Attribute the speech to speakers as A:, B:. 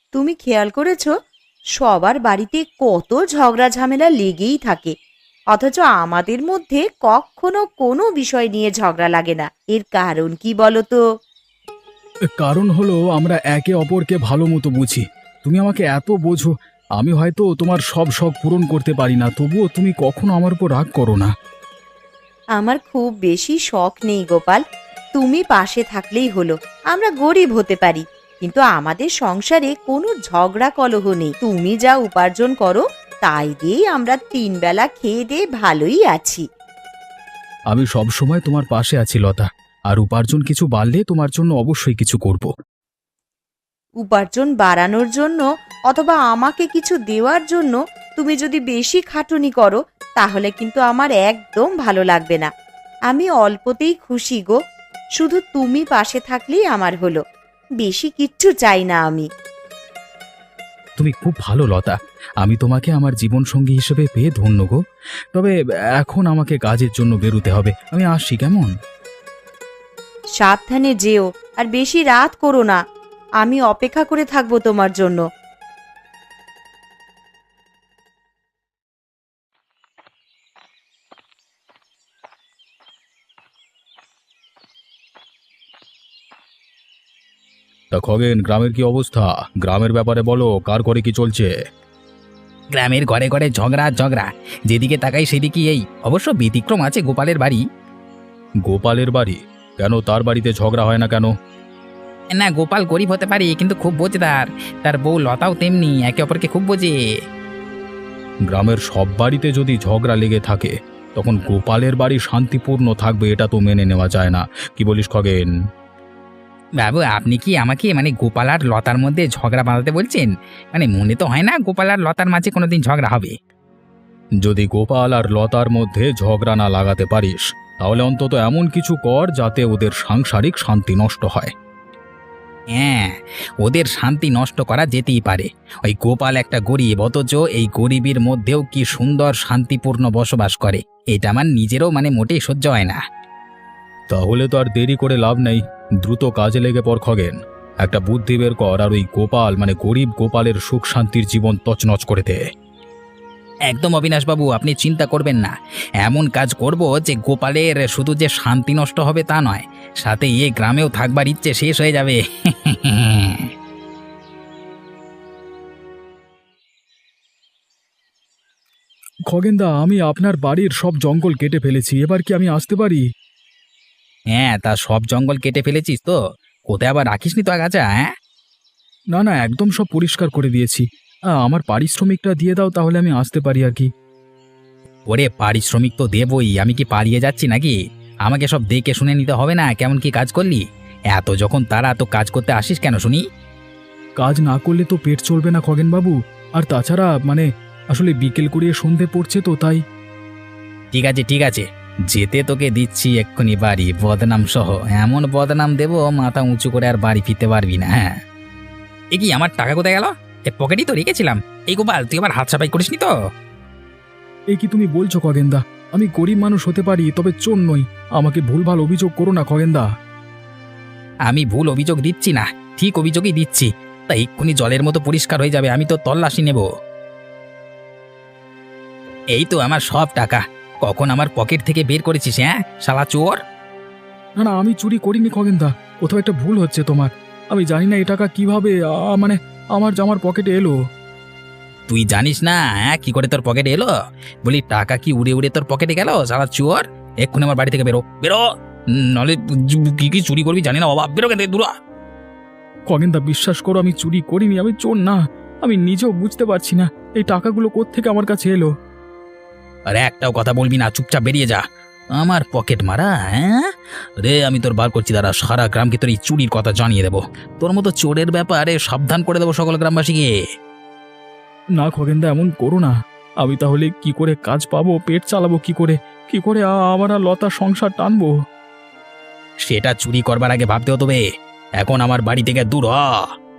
A: তুমি খেয়াল করেছো সবার বাড়িতে কত ঝগড়া ঝামেলা লেগেই থাকে, অথচ আমাদের মধ্যে কখনো কোনো বিষয় নিয়ে ঝগড়া লাগে না। এর কারণ কি বলো তো?
B: কারণ হলো আমরা একে অপরকে ভালো মতো বুঝি। তুমি আমাকে এত বোঝো, আমি হয়তো তোমার সব শখ পূরণ করতে পারি না, তবুও তুমি কখনো আমার উপর রাগ করো না।
A: আমার খুব বেশি শখ নেই গোপাল, তুমি পাশে থাকলেই হলো। আমরা গরিব হতে পারি, কিন্তু আমাদের সংসারে কোনো ঝগড়া কলহ নেই। তুমি যা উপার্জন করো তাই দিয়েই আমরা 3 বেলা খেয়ে দিয়ে ভালোই আছি।
B: আমি সব সময় তোমার পাশে আছি লতা, আর উপার্জন কিছু বাড়লে তোমার জন্য অবশ্যই কিছু করব।
A: উপার্জন বাড়ানোর জন্য অথবা আমাকে কিছু দেওয়ার জন্য তুমি যদি বেশি খাটুনি করো, তাহলে কিন্তু আমার একদম ভালো লাগবে না। আমি অল্পতেই খুশি গো, শুধু তুমি পাশে থাকলেই আমার হলো। বেশি কিচ্ছু চাই না আমি।
B: তুমি খুব ভালো লতা, আমি তোমাকে আমার জীবনসঙ্গী হিসেবে পেয়ে ধন্য গো। তবে এখন আমাকে কাজের জন্য বেরোতে হবে, আমি আসছি কেমন?
A: সাবধানে যেও, আর বেশি রাত করো না। আমি অপেক্ষা করে থাকবো তোমার জন্য।
B: তা খগেন, গ্রামের কি অবস্থা? গ্রামের ব্যাপারে বলো, কার ঘরে কি চলছে?
C: গ্রামের ঘরে ঘরে ঝগড়া আর ঝগড়া, যেদিকে তাকাই সেদিকে এই। অবশ্য ব্যতিক্রম আছে গোপালের বাড়ি।
B: গোপালের বাড়ি? কেন, তার বাড়িতে ঝগড়া হয় না কেন?
C: না, গোপাল গরিব হতে পারে কিন্তু খুব বোঝদার। তার বউ লতাও তেমনি, একে অপরকে খুব বোঝে।
B: গ্রামের সব বাড়িতে যদি ঝগড়া লেগে থাকে, তখন গোপালের বাড়ি শান্তিপূর্ণ থাকবে এটা তো মেনে নেওয়া যায় না। কি বলিস খগেন?
C: বাবু, আপনি কি আমাকে গোপাল আর লতার মধ্যে ঝগড়া বাঁধাতে বলছেন? মনে তো হয় না গোপাল আর লতার মাঝে কোনোদিন ঝগড়া হবে।
B: যদি গোপাল আর লতার মধ্যে ঝগড়া না লাগাতে পারিস, তাহলে অন্তত এমন কিছু কর যাতে ওদের সাংসারিক শান্তি নষ্ট হয়।
C: হ্যাঁ, ওদের শান্তি নষ্ট করা যেতেই পারে। ওই গোপাল একটা গরিব, অথচ এই গরিবের মধ্যেও কি সুন্দর শান্তিপূর্ণ বসবাস করে। এটা আমার নিজেরও মোটেই সহ্য হয় না।
B: তাহলে তো আর দেরি করে লাভ নেই, দ্রুত কাজে লেগে পড় খগেন। একটা বুদ্ধি বের কর, আর ওই গোপাল গরিব গোপালের সুখ শান্তির জীবন তছনছ করে দে।
C: একদম অবিনাশবাবু, আপনি চিন্তা করবেন না। এমন কাজ করব যে গোপালের শুধু যে শান্তি নষ্ট হবে তা নয়, সাথে এই গ্রামেও থাকবার ইচ্ছে শেষ হয়ে যাবে।
B: খগেনদা, আমি আপনার বাড়ির সব জঙ্গল কেটে ফেলেছি, এবার কি আমি আসতে পারি?
C: হ্যাঁ, তা সব জঙ্গল কেটে ফেলেছিস তো? কোথায় আবার রাখিসনি তো আগাছা? হ্যাঁ,
B: না না, একদম সব পরিষ্কার করে দিয়েছি। আমার পারিশ্রমিকটা দিয়ে দাও, তাহলে আমি আসতে পারি আর কি।
C: ওরে পারিশ্রমিক তো দেবই, আমি কি পালিয়ে যাচ্ছি নাকি? আমাকে সব দেখে শুনে নিতে হবে না কেমন কি কাজ করলি? এত যখন তারা তো কাজ করতে আসিস কেন শুনি?
B: কাজ না করলে তো পেট চলবে না খগেনবাবু। আর তাছাড়া আসলে বিকেল করিয়ে সন্ধে পড়ছে তো তাই।
C: ঠিক আছে ঠিক আছে, যেতে তোকে দিচ্ছি এক্ষুনি বাড়ি, বদনাম সহ। এমন বদনাম দেবো মাথা উঁচু করে আর বাড়ি ফিরতে পারবি না। হ্যাঁ, এ কি, আমার টাকা কোথায় গেল? এ পকেটেই তো রেখেছিলাম। এই গোপাল, তুই আবার হাত সাফাই করিসনি তো?
B: এই কি তুমি বলছো খগেনদা? আমি গরিব মানুষ হতে পারি, তবে চোর নই। আমাকে ভুলভাল অভিযোগ করো না খগেনদা।
C: আমি ভুল অভিযোগ দিচ্ছি না, ঠিক অভিযোগই দিচ্ছি। তা এক্ষুনি জলের মতো পরিষ্কার হয়ে যাবে, আমি তো তল্লাশি নেব। এই তো আমার সব টাকা। কখন আমার পকেট থেকে বের করেছিস? হ্যাঁ শালা চোর!
B: না না, আমি চুরি করিনি খগেনদা, কোথাও একটা ভুল হচ্ছে তোমার। আমি জানি না এ টাকা কিভাবে আমার জামার পকেটে এলো।
C: তুই জানিস না? হ্যাঁ, কি করে তোর পকেটে এলো? বলি, টাকা কি উড়ে উড়ে তোর পকেটে গেল শালা চোর? এক্ষুনি আমার বাড়ি থেকে বেরো, বেরো, নলে কি কি চুরি করবি জানি না বাবা, বেরো কেন দূরা।
B: খগেনদা, বিশ্বাস করো, আমি চুরি করিনি, আমি চোর না। আমি নিজেও বুঝতে পারছি না এই টাকাগুলো কোত্থেকে আমার কাছে এলো।
C: আরে একটাও কথা বলবি না, চুপচাপ বেরিয়ে যা। আমার পকেট মারা? হ্যাঁ রে, আমি তোর বার করছি, দাঁড়া। সারা গ্রামকে তোর এই চুরির কথা জানিয়ে দেবো। তোর মতো চোরের ব্যাপারে সাবধান করে দেবো সকল গ্রামবাসীকে।
B: না খগেনদা, এমন করো না। আমি তাহলে কি করে কাজ পাবো, পেট চালাবো কি করে? কি করে আমার আর লতার সংসার টানবো?
C: সেটা চুরি করবার আগে ভাবতে হতো বে। এখন আমার বাড়ি থেকে দূর হ।